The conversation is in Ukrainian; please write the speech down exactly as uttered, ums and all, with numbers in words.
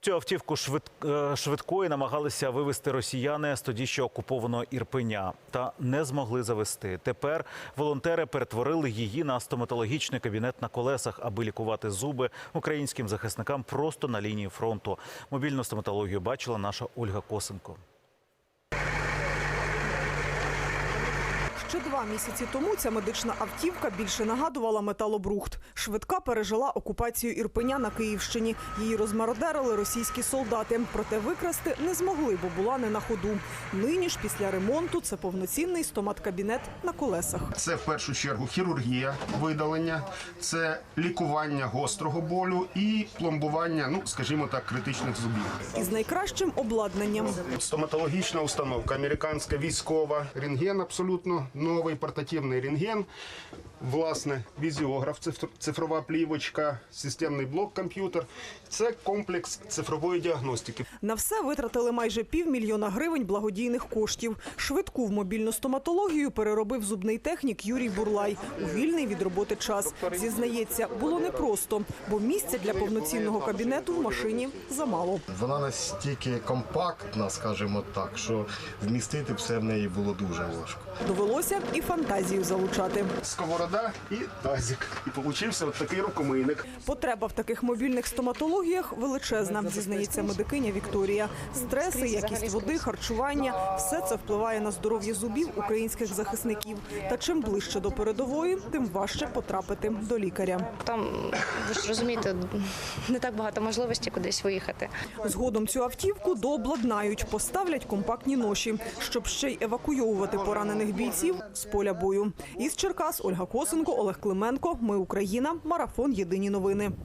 Цю автівку швид... швидкої намагалися вивезти росіяни з тоді ще окупованого Ірпеня. Та не змогли завести. Тепер волонтери перетворили її на стоматологічний кабінет на колесах, аби лікувати зуби українським захисникам просто на лінії фронту. Мобільну стоматологію бачила наша Ольга Косенко. Ще два місяці тому ця медична автівка більше нагадувала металобрухт. Швидка пережила окупацію Ірпеня на Київщині. Її розмародерили російські солдати. Проте викрасти не змогли, бо була не на ходу. Нині ж після ремонту це повноцінний стомат-кабінет на колесах. Це в першу чергу хірургія, видалення, це лікування гострого болю і пломбування, ну, скажімо так, критичних зубів. Із найкращим обладнанням. Стоматологічна установка, американська військова, рентген абсолютно новий портативний рентген, власне, візіограф, цифрова плівочка, системний блок-комп'ютер. Це комплекс цифрової діагностики. На все витратили майже півмільйона гривень благодійних коштів. Швидку в мобільну стоматологію переробив зубний технік Юрій Бурлай у вільний від роботи час. Зізнається, було непросто, бо місця для повноцінного кабінету в машині замало. Вона настільки компактна, скажімо так, що вмістити все в неї було дуже важко. Довелося і фантазію залучати. Сковорода і тазик. І получився от такий рукомийник. Потреба в таких мобільних стоматологіях величезна, зізнається медикиня Вікторія. Стреси, якість води, харчування – все це впливає на здоров'я зубів українських захисників. Та чим ближче до передової, тим важче потрапити до лікаря. Там, ви ж розумієте, не так багато можливостей кудись виїхати. Згодом цю автівку дообладнають, поставлять компактні ноші, щоб ще й евакуйовувати поранених бійців з поля бою. Із Черкас Ольга Косенко, Олег Клименко. Ми Україна. Марафон. Єдині новини.